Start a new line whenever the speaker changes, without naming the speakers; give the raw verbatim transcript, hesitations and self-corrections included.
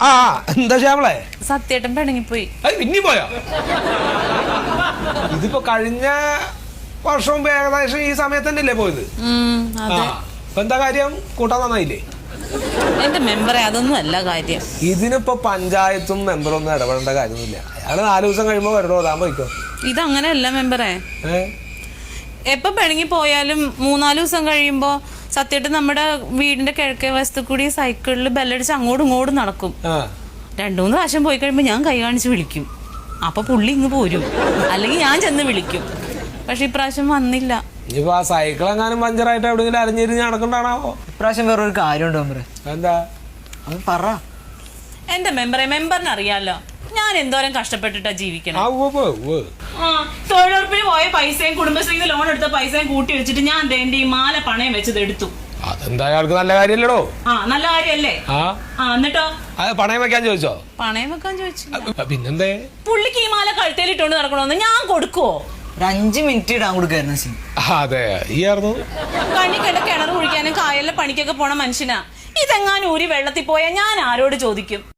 ആ എന്താ ശ്യാമളെ?
സത്യേട്ടൻ പിണങ്ങിപ്പോയി.
പിന്നെ പോയോ? ഇതിപ്പോ കഴിഞ്ഞ വർഷവും ഏകദേശം ഈ സമയത്ത് തന്നെയല്ലേ പോയത്? ഇപ്പൊ എന്താ കാര്യം? കൂട്ടാൻ നന്നായില്ലേ?
എന്റെ മെമ്പറെ അതൊന്നും അല്ല കാര്യം.
ഇതിനിപ്പോ പഞ്ചായത്തും മെമ്പറും ഒന്നും ഇടപെടേണ്ട കാര്യമൊന്നുമില്ല. അയാള് നാലു ദിവസം കഴിയുമ്പോ വരണോ താൻ പോയിക്കോ.
ഇതങ്ങനെയല്ല മെമ്പറെ. എപ്പൊ പിണങ്ങി പോയാലും മൂന്നാല് ദിവസം കഴിയുമ്പോ സത്യേട്ടൻ നമ്മുടെ വീടിന്റെ കിഴക്കേ വശത്ത് കൂടി സൈക്കിളിൽ ബെല്ലടിച്ച് അങ്ങോട്ടും ഇങ്ങോട്ടും നടക്കും. രണ്ടു മൂന്ന് പ്രാവശ്യം പോയി കഴിയുമ്പോ ഞാൻ കൈ കാണിച്ച് വിളിക്കും. അപ്പൊ പുള്ളി ഇങ്ങ് പോരും, അല്ലെങ്കിൽ ഞാൻ ചെന്ന് വിളിക്കും. പക്ഷെ ഇപ്രാവശ്യം വന്നില്ല.
ഇനിയിപ്പോ ആ സൈക്കിൾ എങ്ങാനും പഞ്ചറായിട്ട് എവിടെയെങ്കിലും അരഞ്ഞിരിഞ്ഞ് നടക്കണ്ടാണാവോ?
ഇപ്രാവശ്യം വേറൊരു കാര്യമുണ്ടോ മെമ്പറെ?
എന്താ
അത് പറ.
എന്റെ മെമ്പറെ, മെമ്പറിന് അറിയാലോ ഞാൻ എന്തോരം കഷ്ടപ്പെട്ടിട്ടാ ജീവിക്കണം. തൊഴിലുറപ്പിന് പോയ പൈസയും കുടുംബശ്രീന്ന് ലോൺ എടുത്ത പൈസയും കൂട്ടി വെച്ചിട്ട് ഞാൻ എന്റെ ഈ മാല പണയം വെച്ചത് എടുത്തു.
അതെന്താ അയാൾക്ക് നല്ല കാര്യല്ലടോ?
ആ നല്ല കാര്യല്ലേ? ആ എന്നിട്ടോ
പണയം വെക്കാൻ ചോദിച്ചോ?
പണയം വെക്കാൻ ചോദിച്ചു.
പിന്നെന്തേ?
പുള്ളിക്ക് ഈ മാല കഴുത്തേലിട്ടോണ്ട് നടക്കണോന്ന് ഞാൻ കൊടുക്കുവോ?
ഒരു അഞ്ചു മിനിറ്റ് ഇടാൻ കൊടുക്കായിരുന്നു.
അതെ ഈ ആയിരുന്നു
കണ്ണി കണ്ട കിണർ കുഴിക്കാനും കായലിലെ പണിക്കൊക്കെ പോണ മനുഷ്യനാ. ഇതെങ്ങാനും ഊരി വെള്ളത്തിൽ പോയാൽ ഞാൻ ആരോട് ചോദിക്കും?